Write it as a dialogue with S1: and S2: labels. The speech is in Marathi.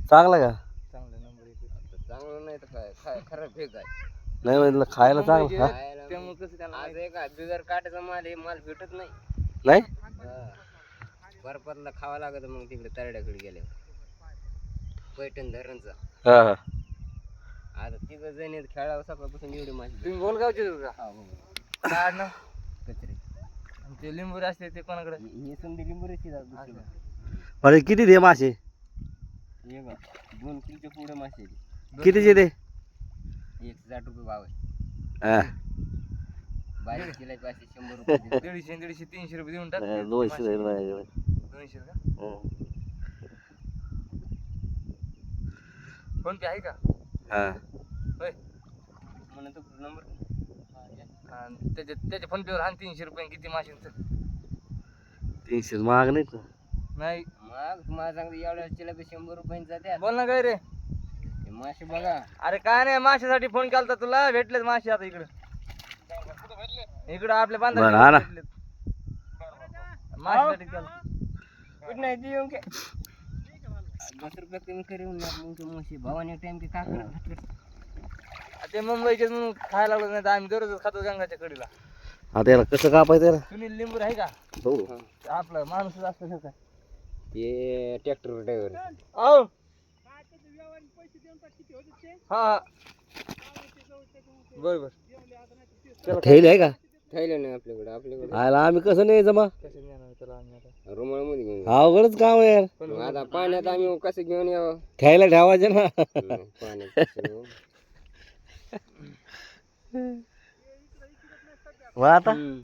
S1: चांगला का?
S2: चांगला नंबर एक.
S3: चांगलं नाही तर काय खराब फेक आहे.
S1: नाही म्हटलं खायला चांगलं. हा?
S2: त्यामुळे कसं त्याला
S3: आज एक बिगर काटाचा माल हे माल भेटत नाही.
S1: नाही
S3: बर्फातला खावा लागत मग तिकडे तरड्याकडे गेले पैठण धरणचा.
S1: हा हा.
S3: आता तिघ जण आहेत खेळावं सकाळपासून एवढी माशी.
S2: तुम्ही बोलगावचे का?
S3: हा हो.
S2: काय ना
S3: कचरे
S2: ते लिंबूर असते ते कोणाकडे?
S3: हे समधी लिंबूरची
S2: अच्छा.
S1: म्हणजे किती दे मासे?
S3: हे बघ 2 किलोच्या पुढे मासे आहेत.
S1: कितीचे दे?
S3: 160 रुपये भाव आहे.
S1: हा.
S3: बारीक किलोचे पाचशे 100 रुपये देतो.
S2: 150 300 रुपये देऊन टाक.
S1: 200 जाईल माझ्याकडे.
S2: 200 का?
S1: हं.
S2: फोन पे आहे का?
S1: हा.
S2: होय.
S3: म्हणतो नंबर
S2: आणि त्याच्या फोन पेवर हान 300 रुपये किती माशांचं?
S1: 300 महाग नाही का?
S2: नाही
S3: मग तुम्हाला सांगतो एवढ्या चिलापी 100 रुपयांचा जात्या.
S2: बोल ना काय रे?
S3: हे मासे बघा.
S2: अरे काय नाही माशासाठी फोन केलता तुला. भेटलेत मासे आता इकडे आपल्या
S1: बरं, हा ना.
S2: बांधा माशासाठी केलं.
S3: कुठं नाही ती येऊन काय 10 रुपये कमी करून मग मासे भावाने टाइम की काकडा
S2: ते मुंबईचे म्हणून खायला लागलो नाही तर आम्ही दररोज खातो गंगाच्या कडीला.
S1: आता याला कसं कापायचं याला?
S2: सुनील लिंबूर आहे का?
S1: हो.
S2: आपलं माणूस असतं का?
S3: ते ट्रॅक्टर ड्रायव्हर
S2: औ हा बरोबर.
S1: ठेवली आहे का?
S3: ठेवलं नाही आपल्याकडे
S1: आयला आम्ही कसं नाही जमा?
S2: कसं नेणार त्याला आम्ही आता?
S3: रुमाळमध्ये घेऊन
S1: अवघडच काम आहे यार.
S3: मग आता पाण्यात आम्ही कसं घेऊन यावं
S1: ठेवायला ठेवायचे ना.
S3: पाण्यात कसं घेऊन?
S1: मग आता